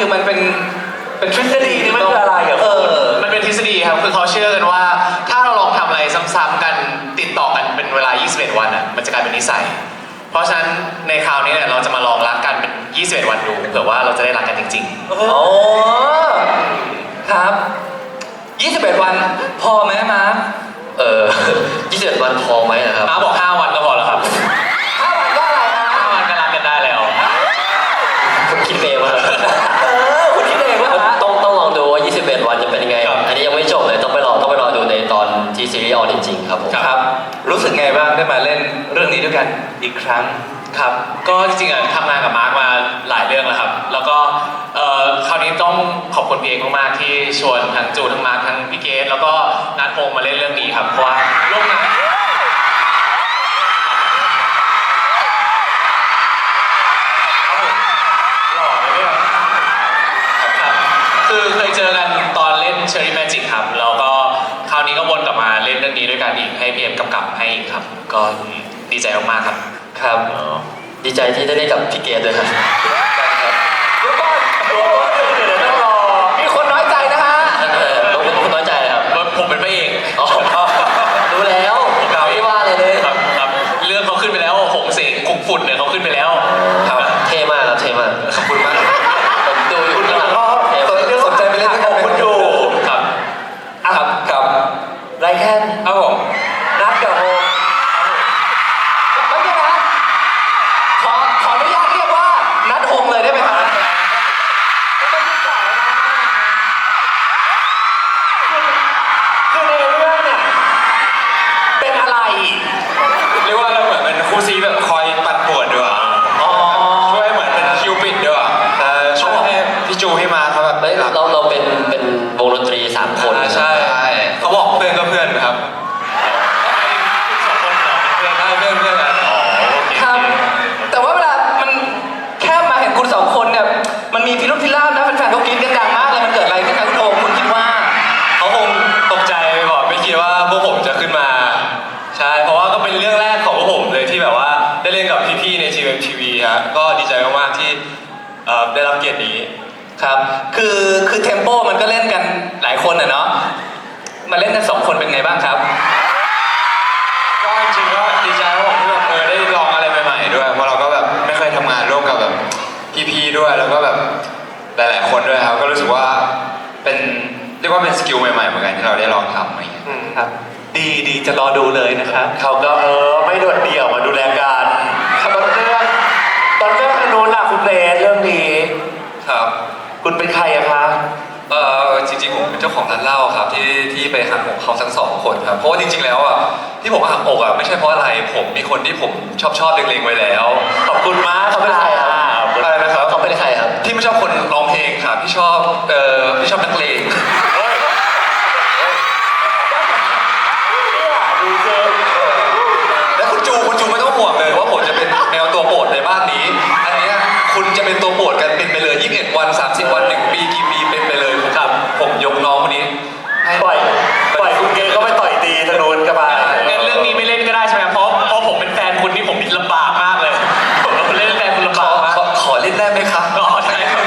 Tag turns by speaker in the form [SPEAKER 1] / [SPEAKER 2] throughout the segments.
[SPEAKER 1] คือมันเป็นทฤษฎีนี่มันคืออะไรอ่ะ
[SPEAKER 2] มันเป็นทฤษฎีครับคือเขาเชื่อกันว่าถ้าเราลองทำอะไรซ้ำๆกันติดต่อกันเป็นเวลา 21 วันอ่ะมันจะกลายเป็นนิสัยเพราะฉะนั้นในคราวนี้เนี่ยเราจะมาลองรักกันเป็น 21 วันดูเผื่อว่าเราจะได้รักกันจริงๆ
[SPEAKER 1] อ๋อครับ21 วันพอไหมมาร์ค
[SPEAKER 3] 21 วันพอไหมนะครับ
[SPEAKER 2] มาบอก5 วันก็พอแล้วครับ
[SPEAKER 1] 5 วันก็อะไรนะ
[SPEAKER 2] 5 วันก็รักกันได้แล้ว
[SPEAKER 3] คุณคิดเองว่า
[SPEAKER 1] คุณคิดเองว่า
[SPEAKER 3] ต้องลองดูว่า21 วันจะเป็นยังไงอันนี้ยังไม่จบเลยต้องไปรอดูในตอนที่ซีรีส์ออนจริงๆครับผม
[SPEAKER 1] ครับรู้สึกไงบ้างได้มาเล่นเรื่องนี้ด้วยกันอีกครั้ง
[SPEAKER 2] ครับก็จริงๆทำงานกับมาร์คมาหลายเรื่องแล้วครับแล้วก็คราวนี้ต้องขอบคุณพี่เอกมากๆที่ชวนทั้งจูทั้งมาร์คทั้งพี่เกสแล้วก็นัทพงษ์มาเล่นเรื่องนี้ครับเพราะว่าร่วมงานหล่อเลยเนี่ยครับคือเคยเจอกันตอนเล่นเชอร์รี่แมจิกครับแล้วก็คราวนี้ก็วนกลับมาเล่นเรื่องนี้ด้วยกันอีกให้พี่เอ็มกำกับให้อีกครับก็ดีใจมากๆครับ
[SPEAKER 3] ครับดีใจที่ได้เล่นกับพี่เกดด้วยครับ
[SPEAKER 1] เดี๋ยวก่อนต้องรอมีคนน้อยใจนะฮะ
[SPEAKER 3] คนน้อยใจครับ
[SPEAKER 2] ผมเป็นพระเอก
[SPEAKER 3] รู้แล้วไม่ว่าเลย
[SPEAKER 2] ครับเรื่องเขาขึ้นไปแล้วหงเสกคุกฝุ่นเนี่ยเขาขึ้นไปแล้ว
[SPEAKER 3] ครับเท่มากครับเท่มากขอบคุณมากผมดูอยู่ข้างหลัง
[SPEAKER 1] สนใจไปเล่นกับคุณอยู่
[SPEAKER 2] ครับ
[SPEAKER 1] กับไรแคน
[SPEAKER 2] ครับผม
[SPEAKER 1] นัดกับโฮไม่ใช่นะขออนุญาตเรียกว่านัดโฮมเลยได้ไหมครับคือในเรื่องเนี่ยเป็นอะไร
[SPEAKER 2] เรียกว่าเราเหมือนเป็นคู่ซีแบบคอยปั่นป่วนด้วยช่วยเหมือนเป็นคิวปิดด้วยช่วยให้พี่จูให้มาเขาแบบ
[SPEAKER 3] เราเป็นวงดนตรี3 คน
[SPEAKER 2] ใช่เขาบอกเพื่อนก็เพื่อนครับ
[SPEAKER 1] ครับแต่ว่าเวลามันแค่มาเห็นคุณ2 คนเนี่ยมันมีพิรุธพิราบนะแฟนๆเขากินกันดังมากเลยมันเกิดอะไรขึ้นนะคุณโอมคุณคิดว่า
[SPEAKER 2] เขาคงตกใจบอกไม่คิดว่าพวกผมจะขึ้นมาใช่เพราะว่าก็เป็นเรื่องแรกของพวกผมเลยที่แบบว่าได้เล่นกับพี่ๆใน GMMTV ฮะก็ดีใจมากๆที่ได้รับเกียรตินี้
[SPEAKER 1] ครับคือเทมโปมันก็เล่นกันหลายคนเนาะมาเล่นกัน2 คนเป็นไงบ้างครับ
[SPEAKER 2] ก็จริงๆก็ดีใจครับผมที่แบบได้ลองอะไรใหม่ๆด้วยเพราะเราก็แบบไม่เคยทำงานร่วมกับแบบพี่ๆด้วยแล้วก็แบบหลายๆคนด้วยครับก็รู้สึกว่าเป็นเรียกว่าเป็นสกิลใหม่ๆเหมือนกันที่เราได้ลองทำอะไรอย่างเงี้ย
[SPEAKER 1] ครับดีจะรอดูเลยนะครับ
[SPEAKER 2] เขาก็ไม่โดดเดี่ยวมาดูแลกัน
[SPEAKER 1] ตอนเรื่องโน้นล่ะคุณเรนเรื่องนี้
[SPEAKER 2] ครับ
[SPEAKER 1] คุณเป็นใครอะคะ
[SPEAKER 2] จริงๆผมเป็นเจ้าของร้านเหล้าครับที่ไปหักอกเขาทั้ง2 คนครับเพราะว่าจริงๆแล้วอ่ะที่ผมหักอกอ่ะไม่ใช่เพราะอะไรผมมีคนที่ผมชอบเล็งๆไว้แล้ว
[SPEAKER 1] ขอบคุณมากเขาเป็นใครครับ
[SPEAKER 2] อะไรนะครับ
[SPEAKER 3] เขาเป็นใครครับ
[SPEAKER 2] ที่ไม่ชอบคนร้องเพลงครับที่ชอบนักเลงแล้วคุณจูไม่ต้องห่วงเลยว่าผมจะเป็นแนวตัวโปรดในบ้านนี้อันนี้คุณจะเป็นตัวโปรดกันเป็นไปเลย21 วัน30 วัน1 ปีกี่ปีเป็นไปเลยครับผมยกน้องคนนี้
[SPEAKER 1] ปล่อยคุณเกย์ก็ไปต่อยตีธนูนกันไป
[SPEAKER 2] งั้นเรื่องนี้ไม่เล่นก็ได้ใช่ไหมเพราะผมเป็นแฟนคุณนี่ผมลำบากมากเลยผมเล่นแฟนคุณลำบากมาก
[SPEAKER 3] ขอเล่นได้ไหมครับ
[SPEAKER 2] ได้ครับ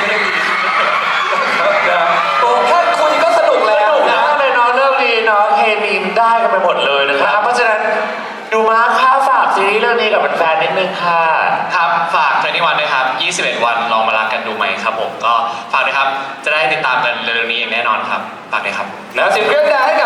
[SPEAKER 1] โอ้แค่คุยก็สนุกแล้วนะในน้องเรื่องนี้น้องเคมีได้กันไปหมดเลยนะครับเพราะฉะนั้นดูมาค่าฝากซีรีส์เรื่องนี้กับแฟนๆนิดนึงค่ะ
[SPEAKER 2] ครับฝาก21 ด้วยครับ21 วันลองมารักกันดูไหมครับผมก็ฝากด้วยครับจะได้ติดตามกันเร็วๆนี้อย่างแน่นอนครับฝากด้วยครับ
[SPEAKER 1] แล้ว10 เครื่องดาวให้กับ